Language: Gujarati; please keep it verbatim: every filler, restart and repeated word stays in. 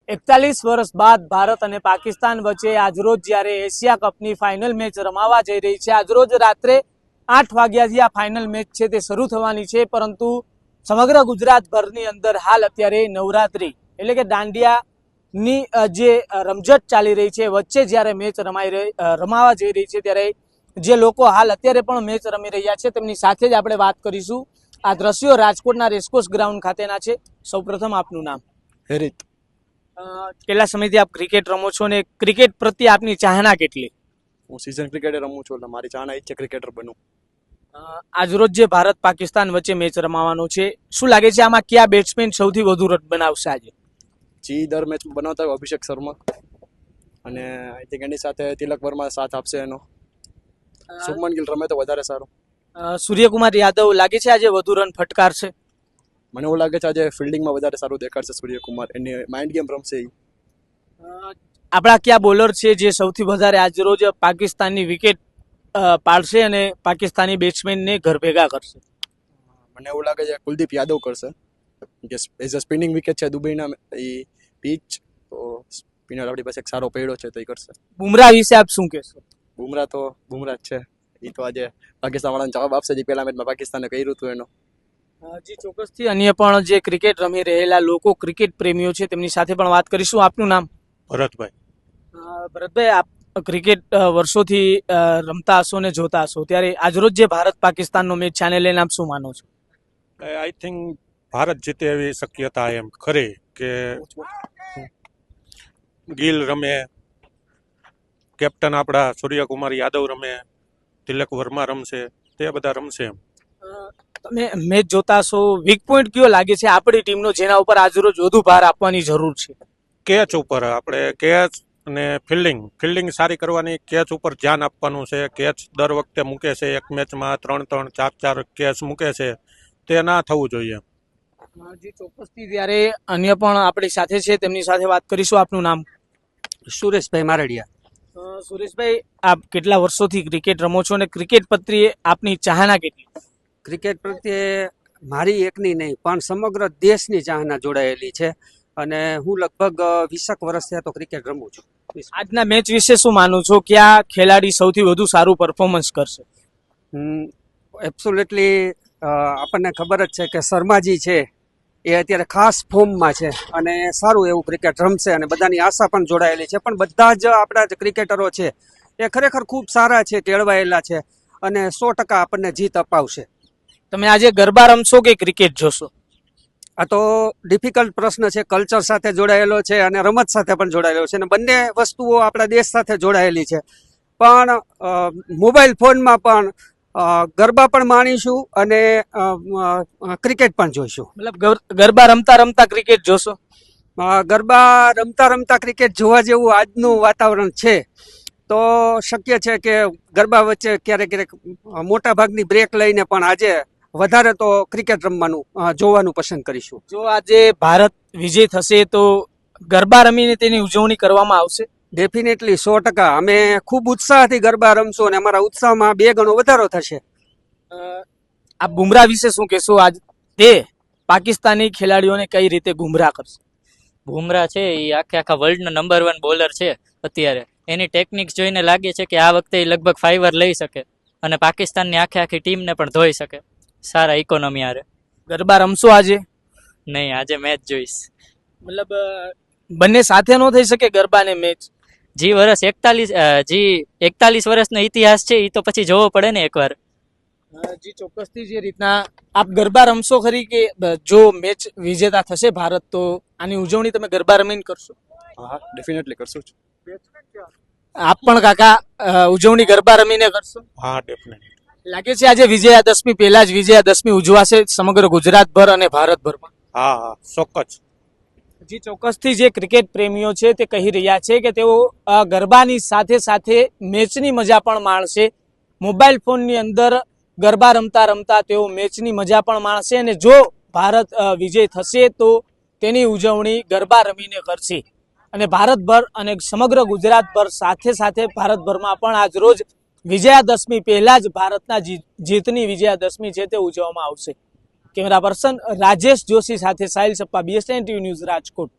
એકતાલીસ વર્ષ બાદ ભારત અને પાકિસ્તાન વચ્ચે આજરોજ જ્યારે એશિયા કપની ફાઇનલ મેચ રમાવા જઈ રહી છે, આજરોજ રાત્રે આઠ વાગ્યાથી આ ફાઇનલ મેચ છે તે શરૂ થવાની છે, પરંતુ સમગ્ર ગુજરાતભરની અંદર હાલ અત્યારે નવરાત્રી એટલે કે દાંડિયાની જે રમઝટ ચાલી રહી છે, વચ્ચે જ્યારે મેચ રમાઈ રહી રમાવા જઈ રહી છે ત્યારે જે લોકો હાલ અત્યારે પણ મેચ રમી રહ્યા છે તેમની સાથે જ આપણે વાત કરીશું। આ દ્રશ્યો રાજકોટના રેસકોર્સ ગ્રાઉન્ડ ખાતેના છે। સૌપ્રથમ આપનું નામ? હેરિત। કેટલા સમયથી આપ ક્રિકેટ રમો છો અને ક્રિકેટ પ્રત્યે આપની ચાહના કેટલી? હું સીઝન ક્રિકેટર રમું છું, એટલે મારી ચાહના ઈચ્છે ક્રિકેટર બનું। આજરોજ જે ભારત પાકિસ્તાન વચ્ચે મેચ રમાવાનો છે, શું લાગે છે આમાં કયા બેટ્સમેન સૌથી વધુ રન બનાવશે આજે? જી દર મેચ બનાવતા હોય અભિષેક શર્મા, અને આઈ થિંક એની સાથે તિલક વર્મા સાથ આપશે એનો। શુભમન ગિલ રમે તો વધારે સારું। સૂર્યકુમાર યાદવ લાગે છે આજે વધુ રન ફટકારશે? મને એવું લાગે છે આજે ફિલ્ડિંગમાં વધારે સારું દેખાડશે સૂર્યકુમાર, એની માઇન્ડ ગેમ રમશે એ। આપણા કયા બોલર છે જે સૌથી વધારે આજરોજ પાકિસ્તાનની વિકેટ પાડશે અને પાકિસ્તાની બેટ્સમેનને ઘર ભેગા કરશે? મને એવું લાગે છે કુલદીપ યાદવ કરશે, કે એઝ અ સ્પિનિંગ વિકેટ છે દુબઈના એ પીચ, તો સ્પિનર આપણી પાસે એક સારો પડ્યો છે તો એ કરશે। બુમરાહ વિશે આપ શું કહેશો? બુમરાહ તો બુમરાહ જ છે, એ તો આજે પાકિસ્તાન વાળાને જવાબ આપશે જે પહેલા મેચમાં પાકિસ્તાને કર્યું હતું એનો। જી ચોક્કસથી અન્ય પણ જે ક્રિકેટ રમી રહેલા લોકો, ક્રિકેટ પ્રેમીઓ છે તેમની સાથે પણ વાત કરીશું। આપનું નામ? ભરતભાઈ। ભરતભાઈ, આપ ક્રિકેટ વર્ષોથી રમતા હશો ને જોતા હશો, ત્યારે આજરોજ જે ભારત પાકિસ્તાનનો મેચ છે આને લઈને આપ શું માનો છો? આઈ થિંક ભારત જીતે એવી શક્યતા એમ ખરી કે ગિલ રમે, કેપ્ટન આપણા સૂર્યકુમાર યાદવ રમે, તિલક વર્મા રમશે, તે બધા રમશે એમ। તમે મેચ જોતા હશો, વીક પોઈન્ટ કયો લાગે છે આપણી ટીમનો જેના ઉપર આજરોજ વધુ ભાર આપવાની જરૂર છે? કેચ ઉપર આપણે કેચ અને ફિલ્ડિંગ ફિલ્ડિંગ સારી કરવાની, કેચ ઉપર ધ્યાન આપવાનું છે। કેચ દર વખતે મૂકે છે, એક મેચમાં ત્રણ ત્રણ ચાર ચાર કેચ મૂકે છે, તે ના થવું જોઈએ। જી ચોક્કસથી, ત્યારે અન્ય પણ આપણી સાથે છે તેમની સાથે વાત કરીશું। આપનું નામ? સુરેશભાઈ મારડિયા। સુરેશભાઈ, આપ કેટલા વર્ષોથી ક્રિકેટ રમો છો અને ક્રિકેટ પ્રત્યે આપની ચાહના કેટલી? ક્રિકેટ પ્રત્યે મારી એકની નહીં પણ સમગ્ર દેશની ચાહના જોડાયેલી છે, અને હું લગભગ વીસેક વર્ષથી તો ક્રિકેટ રમું છું। આજના મેચ વિશે શું માનું છો? કયા ખેલાડી સૌથી વધુ સારું પરફોર્મન્સ કરશે? એબ્સોલ્યુટલી આપણને ખબર જ છે કે શર્માજી છે એ અત્યારે ખાસ ફોર્મમાં છે અને સારું એવું ક્રિકેટ રમશે, અને બધાની આશા પણ જોડાયેલી છે, પણ બધા જ આપણા જે ક્રિકેટરો છે એ ખરેખર ખૂબ સારા છે, કેળવાયેલા છે, અને સો ટકા આપણને જીત અપાવશે। તમે આજે ગરબા રમશો કે ક્રિકેટ જોશો? આ તો ડિફિકલ્ટ પ્રશ્ન છે, કલ્ચર સાથે જોડાયેલો છે અને રમત સાથે પણ જોડાયેલો છે, અને બંને વસ્તુઓ આપણા દેશ સાથે જોડાયેલી છે, પણ મોબાઈલ ફોનમાં પણ ગરબા પણ માણીશું અને ક્રિકેટ પણ જોઈશું। મતલબ ગરબા રમતા રમતા ક્રિકેટ જોશો? ગરબા રમતા રમતા ક્રિકેટ જોવા જેવું આજનું વાતાવરણ છે, તો શક્ય છે કે ગરબા વચ્ચે ક્યારેક ક્યારેક મોટા ભાગની બ્રેક લઈને પણ આજે વધારે તો ક્રિકેટ રમવાનું જોવાનું પસંદ કરીશું। જો આજે ભારત વિજય થશે તો ગરબા રમીને તેની ઉજવણી કરવામાં આવશે? ડેફિનેટલી, સો ટકા અમે ખૂબ ઉત્સાહથી ગરબા રમશું અને અમારા ઉત્સાહમાં બે ગણો વધારો થશે। આ બુમરાહ વિશે શું કહેશો? આજ તે પાકિસ્તાની ખેલાડીઓને કઈ રીતે ગુમરાહ કરશે? બુમરાહ છે એ આખે આખા વર્લ્ડનો નંબર વન બોલર છે અત્યારે, એની ટેકનિક્સ જોઈને લાગે છે કે આ વખતે એ લગભગ ફાઈવર લઈ શકે અને પાકિસ્તાનની આખે આખી ટીમને પણ ધોઈ શકે સારા ઇકોનોમી આરે। ગરબા રમશો આજે? નહીં, આજે મેચ જોઈશ। મતલબ બંને સાથે ન થઈ શકે ગરબા ને મેચ? જી વર્ષ એકતાલીસ જી એકતાલીસ વર્ષનો ઇતિહાસ છે એ તો પછી જોવો પડે ને એકવાર। જી ચોક્કસથી, જે રીતના આપ ગરબા રમશો ખરી કે જો મેચ વિજેતા થશે ભારત તો આની ઉજવણી તમે ગરબા રમીને કરશો? હા, ડેફિનેટલી કરશું જ। આપ પણ કાકા ઉજવણી ગરબા રમીને કરશો? હા, ડેફિનેટલી। લાગે છે આજે વિજયાદશમી પહેલા જ વિજયાદશમી ઉજવાશે સમગ્ર ગુજરાતભર અને ભારતભરમાં? હા હા, ચોક્કસ। જી ચોક્કસથી, જે ક્રિકેટ પ્રેમીઓ છે તે કહી રહ્યા છે કે તેઓ ગરબાની સાથે સાથે મેચની મજા પણ માણશે। મોબાઈલ ફોનની અંદર ગરબા રમતા રમતા તેઓ મેચની મજા પણ માણશે, અને જો ભારત વિજય થશે તો તેની ઉજવણી ગરબા રમીને કરશે। અને ભારતભર અને સમગ્ર ગુજરાતભર સાથે સાથે ભારતભરમાં પણ આજ રોજ વિજયાદશમી પહેલા જ ભારતના જીતની વિજયાદશમી છે તે ઉજવવામાં આવશે। કેમેરા પર્સન રાજેશ જોશી સાથે Sahil Sappa, BSN TV news, Rajkot.